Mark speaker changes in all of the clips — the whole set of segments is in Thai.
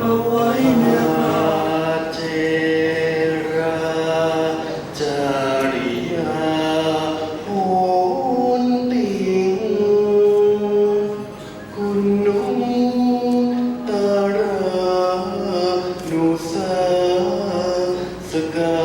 Speaker 1: เอาไว้เนื้อเจราจาริยาโหนติงคุณนุตรานุสาสกา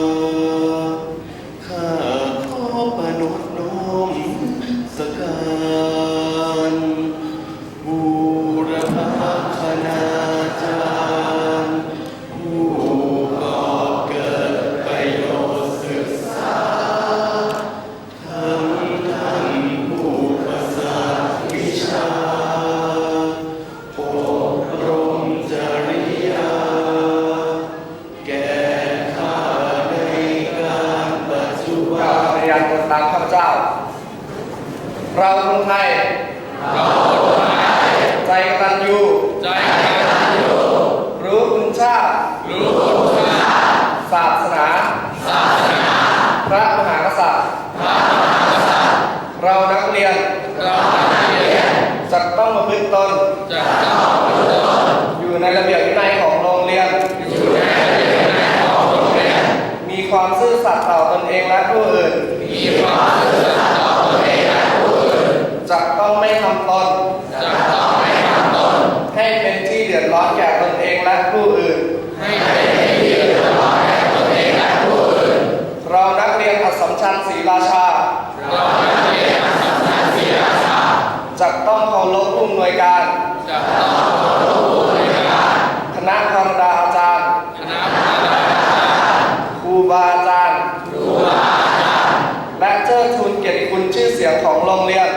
Speaker 1: ข้าขอประนตน้อมสการบูรพคณาจารย์ผู้ก่อเกิดประโยชน์ศึกษาทั้งท่านผู้ประสาทวิชาอบรมจริยาแก่ข้าในการปัจจุบัน
Speaker 2: พยานตนตามข้าพเจ้าเราคนไทยใจกตัญญูรู้คุณชาติศาสนาพระมหากษัตริย์เรานักเรียนจะต้องประพฤติตนอยู่ในระเบียบวินัยของโรงเรียนมีความซื่อสัตย์ต่อตนเองและผู้อื่นจะต้องไม่ทำตนให้เป็นที่เดือดร้อนแก่ตนเองและผู้อื่นเรานักเรียนอัสสัมชัญศรีราชาจะต้องเคารพผู้อำนวยการคณะธรรมดาอาจารย์ครูบาอาจารย์และเชิดชูเกียรติคุณชื่อเสียงของโรงเรียน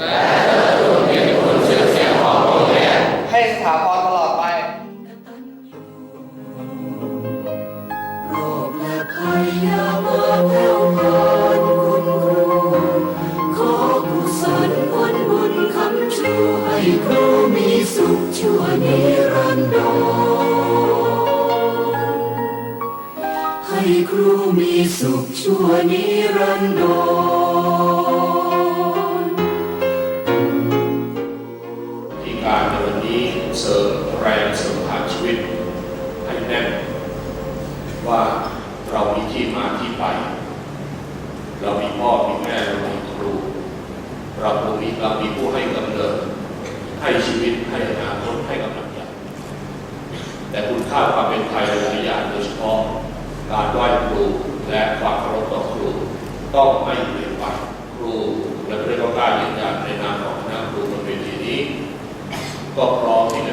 Speaker 2: ให้สถาพรตลอดไป
Speaker 3: โรคและภัยอย่ามาแผ่วพรานคุณครูขอกุศลผลบุญคำชูให้ครูมีสุขชั่วนิรันดรให้ครูมีสุขชั่วนิรันดร
Speaker 4: ที่การในวันนี้เสริมแรงเสริมพลังชีวิตให้แน่นว่าเรามีที่มาที่ไปเรามีพ่อมีแม่เรามีครูเรามีผู้ให้กำเนิดให้ชีวิตให้อนาคตให้กำลังใจแต่คุณค่าความเป็นไทยหลายอย่างโดยเฉพาะการไหว้ครูและความเคารพต่อครูต้องไม่เปลี่ยนไปครูและเพื่อนร่วมงานยืนยันในนามของคณะครูบนเวทีนี้ก็พร้อมที่